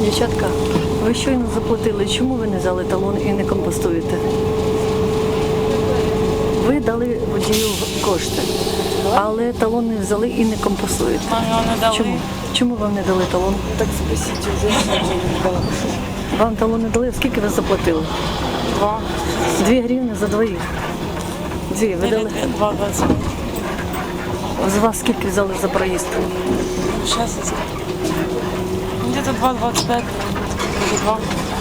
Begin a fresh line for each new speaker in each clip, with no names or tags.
Дівчатка, ви щойно заплатили. Чому ви не взяли талон і не компостуєте? Ви дали водію кошти, але талон не взяли і не компостуєте.
Нам його не дали.
Чому? Чому вам не дали талон?
Так спросите, уже не дала.
Вам талон не дали? Скільки ви заплатили?
2.
2 гривні за двоїх. Дві. Ви дали?
2,20.
З вас скільки взяли за проїзд?
Сейчас я скажу. Где-то 2,25. Или 2.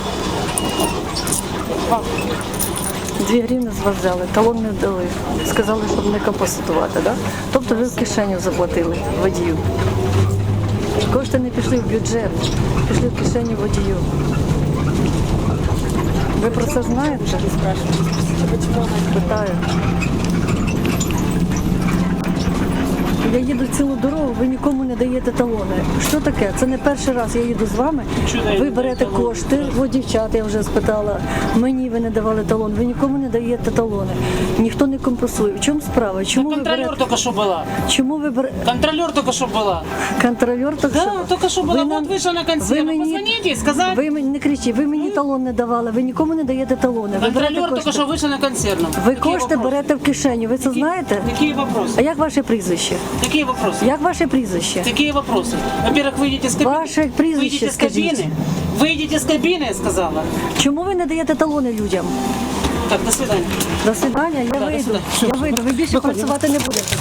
2.
2 гривні з вас взяли, талон не дали. Сказали, щоб не компостувати, да? Тобто ви в кишеню заплатили водію. Кошти не пішли в бюджет, пішли в кишеню водію. Ви про це знаєте? Питаю. Я їду цілу дорогу, ви нікому не даєте талони. Що таке? Це не перший раз я їду з вами. Ви берете кошти, у дівчат я вже спитала, мені ви не давали талон, ви нікому не даєте талони. Ніхто не компенсує. В чому справа? Чому ви
Контролер
берете?
только что была.
Чому ви берете?
Контролер только что была.
Контролер так
Да,
що?
только что была.
Ви
Вот
нам-
вышла на консьерж. Позвоните, сказать.
Ви мені не кричіть, ви мені талон не давали, ви нікому не даєте талони. Ви берете
Контролер только
кошти.
что вышел на консервном.
Ви
Какие
кошти
вопросы?
берете в кишеню, ви це знаєте?
Какие
А
вопросы?
як ваше прізвище?
Какие вопросы?
Як ваше прізвище?
Какие вопросы? Во-первых, выйдите с кабины.
Ваше прізвище
Выйдите с
скажіть.
кабины. Выйдите с кабины, я сказала.
Чому ви не даєте талони людям?
Так, до свидания.
До свидання, я
до
вийду.
свидання.
Я вийду, ви більше працювати не будете.